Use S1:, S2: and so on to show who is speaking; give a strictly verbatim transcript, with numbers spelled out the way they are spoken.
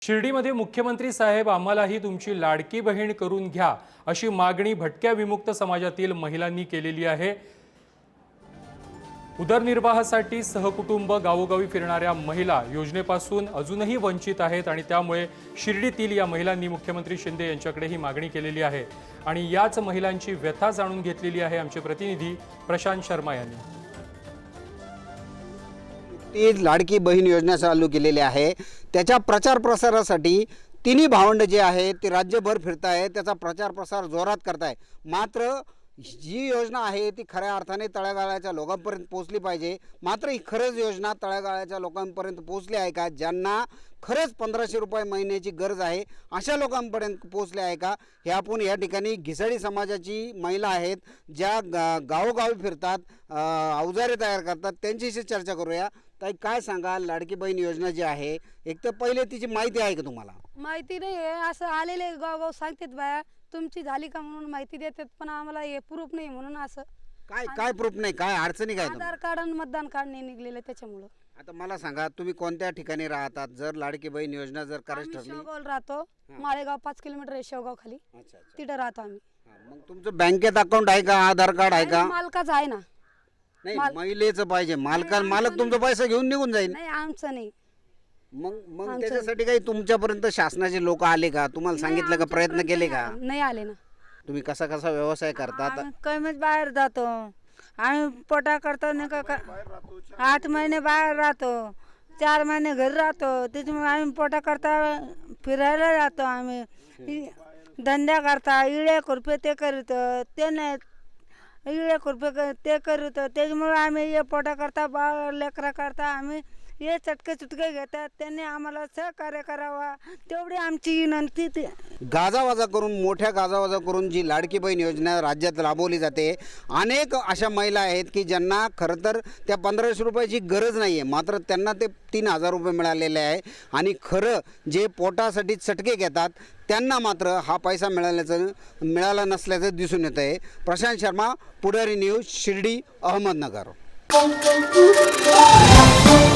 S1: शिर्डीमध्ये मुख्यमंत्री साहेब आम्हालाही तुमची लाडकी बहीण करून घ्या अशी मागणी भटक्या विमुक्त समाजातील महिलांनी केलेली आहे। उदरनिर्वाहासाठी सहकुटुंब गावोगावी फिरणाऱ्या महिला योजनेपासून अजूनही वंचित आहेत आणि त्यामुळे शिर्डीतील या महिलांनी मुख्यमंत्री शिंदे यांच्याकडे ही मागणी केलेली आहे आणि याच महिलांची व्यथा जाणून घेतलेली आहे आमचे प्रतिनिधी प्रशांत शर्मा यांनी।
S2: ती लाडकी बहीण योजना चालू केलेली आहे, त्याच्या प्रचार प्रसारासाठी तिन्ही भावंड जे आहे ते राज्यभर फिरताय, त्याचा प्रचार प्रसार जोरात करताय। मात्र जी योजना आहे ती खऱ्या अर्थाने तळागाळाच्या लोकांपर्यंत पोहोचली पाहिजे। मात्र ही खरंच योजना तळागाळाच्या लोकांपर्यंत पोहोचली आहे का? ज्यांना खरंच पंधराशे रुपये महिन्याची गरज आहे अशा लोकांपर्यंत पोहोचले आहे का? हे आपण या ठिकाणी घिसाडी समाजाची महिला आहेत ज्या गा गावोगावी फिरतात, अवजारे तयार करतात, त्यांच्याशी चर्चा करूया। ताई, काय सांगाल, लाडकी बहीण योजना जी आहे, एक तर पहिले तिची माहिती आहे का तुम्हाला?
S3: माहिती नाही आहे, असं आलेले गावगाव सांगतात बाया तुमची झाली का म्हणून माहिती देतात, पण आम्हाला हे प्रूफ नाही म्हणून असं
S2: काय काय प्रूफ नाही, काय अडचणी काय?
S3: आधार कार्ड आणि मतदान कार्ड नाही निघलेलं त्याच्यामुळं।
S2: आता मला सांगा, तुम्ही कोणत्या ठिकाणी राहतात? जर लाडकी बहीण योजना जर करायची ठरली?
S3: शेवगाव राहतो, माळेगाव पाच किलोमीटर आहे शेवगाव खाली, तिथं राहतो आम्ही।
S2: मग तुमचं बँकेत अकाउंट आहे का? आधार कार्ड आहे का?
S3: मालकाचं आहे ना।
S2: नाही, महिलेचं पाहिजे। मालका मालक तुमचा पैसा घेऊन निघून जाईल।
S3: नाही, आमचं नाही।
S2: मग मग त्याच्यासाठी काही तुमच्यापर्यंत शासनाचे लोक आले का? तुम्हाला सांगितलं का? प्रयत्न केले का?
S3: नाही आले ना।
S2: तुम्ही कसा कसा व्यवसाय करतात?
S4: कमीच बाहेर जातो आम्ही, पोटा करतो नाही का, आठ महिने बाहेर राहतो, चार महिने घरी राहतो, त्याच्यामुळे आम्ही पोटा करता फिरायला जातो। आम्ही धंदा करता, इळे खुरपे ते करीत, ते नाही इळे खुरपे ते करीत, त्याच्यामुळे आम्ही हे पोटा करता बा लेकरा करता आम्ही हे चटके चुटके घेतात, त्यांनी आम्हाला सहकार्य करावा तेवढी आमची विनंती। ते
S2: गाजावाजा करून, मोठ्या गाजावाजा करून जी लाडकी बहीण योजना राज्यात राबवली जाते, अनेक अशा महिला आहेत की ज्यांना खरं तर त्या पंधराशे रुपयाची गरज नाही आहे, मात्र त्यांना ते तीन हजार रुपये मिळालेले आहे आणि खरं जे पोटासाठी चटके घेतात त्यांना मात्र हा पैसा मिळाल्याचं मिळाला नसल्याचं दिसून येत आहे। प्रशांत शर्मा, पुढारी न्यूज, शिर्डी, अहमदनगर।